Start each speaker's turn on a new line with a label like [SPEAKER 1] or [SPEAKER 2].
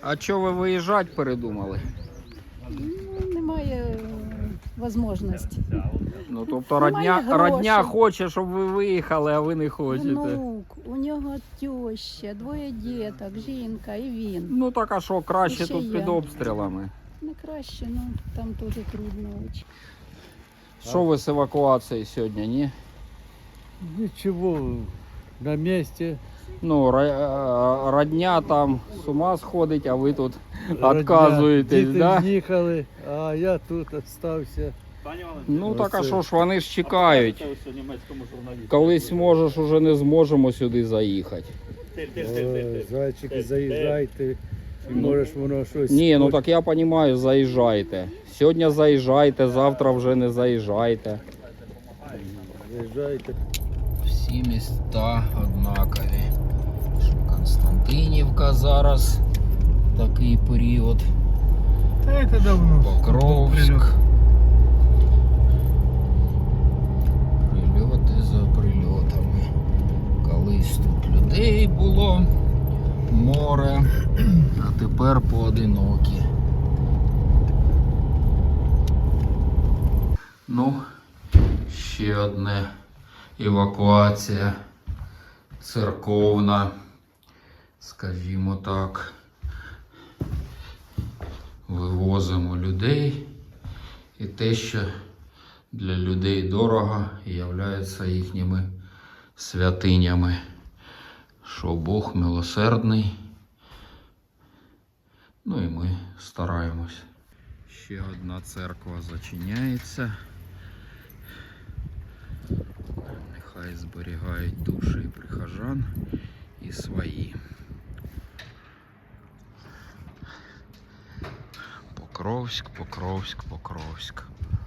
[SPEAKER 1] А чого ви виїжджати передумали?
[SPEAKER 2] Ну, немає можливості.
[SPEAKER 1] Ну, тобто
[SPEAKER 2] Немає
[SPEAKER 1] родня
[SPEAKER 2] грошей.
[SPEAKER 1] хоче, щоб ви виїхали, а ви не хочете.
[SPEAKER 2] Внук, у нього теща, двоє діток, жінка і він.
[SPEAKER 1] Ну так а що, краще
[SPEAKER 2] Ще
[SPEAKER 1] тут
[SPEAKER 2] я.
[SPEAKER 1] під обстрілами.
[SPEAKER 2] Не краще, ну там теж трудно очень.
[SPEAKER 1] Що ви з евакуацією сьогодні, ні?
[SPEAKER 3] Ничего, на месте.
[SPEAKER 1] Ну, родня там з ума сходить, а ви тут
[SPEAKER 3] Родня,
[SPEAKER 1] відказуєтесь,
[SPEAKER 3] діти
[SPEAKER 1] да?
[SPEAKER 3] з'їхали, а я тут остався.
[SPEAKER 1] Ну так а
[SPEAKER 3] Оце.
[SPEAKER 1] що ж, вони ж чекають. Колись можеш, уже не зможемо сюди заїхати.
[SPEAKER 3] О, зайчики, заїжджайте. І можеш воно щось.
[SPEAKER 1] Ні, ну так я розумію, заїжджайте. Сьогодні заїжджайте, завтра вже не заїжджайте.
[SPEAKER 3] Заїжджайте.
[SPEAKER 1] Всі міста однакові. Константинівка зараз такий період.
[SPEAKER 3] Та це давно.
[SPEAKER 1] Покровськ. Прильоти за прильотами. Колись тут людей було море, а тепер поодинокі. Ну, ще одне евакуація церковна, скажімо так. Вивозимо людей і те, що для людей дорого, являється їхніми святинями, що Бог милосердний. Ну і ми стараємось. Ще одна церква зачиняється. Нехай зберігають душі прихожан і свої. Покровськ, Покровськ, Покровськ.